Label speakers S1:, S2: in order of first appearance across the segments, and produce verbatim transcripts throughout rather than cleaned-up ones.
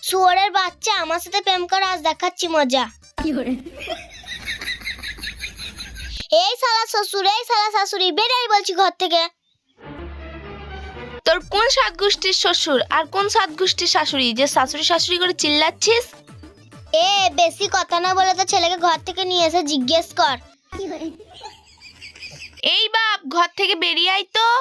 S1: শুয়োরের বাচ্চা, আমার সাথে প্রেম কর, আজ দেখাচ্ছি মজা। এই শালা শ্বশুর, এই শালা শাশুড়ি, বেরাই বলছি ঘর থেকে।
S2: তোর কোন সাত গোষ্ঠীর শ্বশুর আর কোন সাত গোষ্ঠীর শাশুড়ি যে শাশুড়ি শাশুড়ি করে চিল্লাচ্ছিস?
S1: এ বেশি কথা না বলে তো ছেলেকে ঘর থেকে নিয়ে এসে জিজ্ঞেস কর।
S2: এই বাপ, ঘর থেকে বেরিয়ে আয় তো।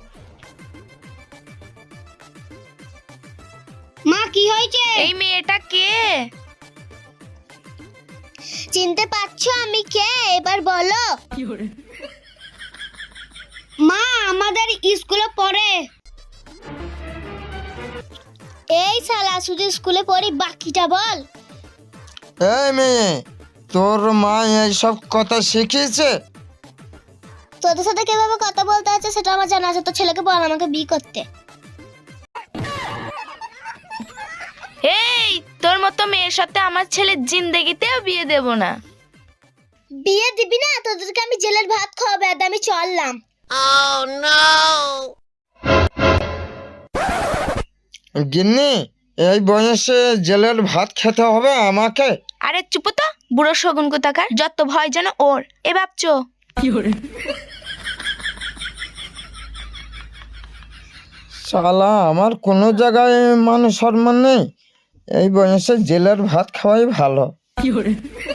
S1: মা কি হয়েছে?
S2: এই মেয়েটা কে?
S1: চিনতে পারছো আমি কে? এবার বলো। মা আমাদের স্কুলে পড়ে। এই শালা শুধু স্কুলে পড়ি, বাকিটা বল।
S3: এই মেয়ে, তোর মা এইসব কথা শিখিয়েছে?
S1: তোদের সাথে কিভাবে কথা বলতে আছে সেটা আমার জানা আছে। তো ছেলেকে বল আমাকে বিয়ে করতে।
S2: এই, তোর মতো মেয়ের সাথে আমার ছেলের জিন্দেগিতেও বিয়ে দেব না।
S1: বিয়ে দিবি না? তোদেরকে আমি জেলের ভাত খাওয়াবে। আর আমি চললাম।
S3: গিন্নি, এই বয়সে জেলের ভাত খেতে হবে আমাকে?
S2: আরে চুপ তো, বুড়ো শগুন কোথাকার, যত ভয় যেন ওর। এ বাপচো,
S3: শালা আমার কোনো জায়গায় মান সম্মান নেই, এই বয়সে জেলের ভাত খাওয়াই ভালো।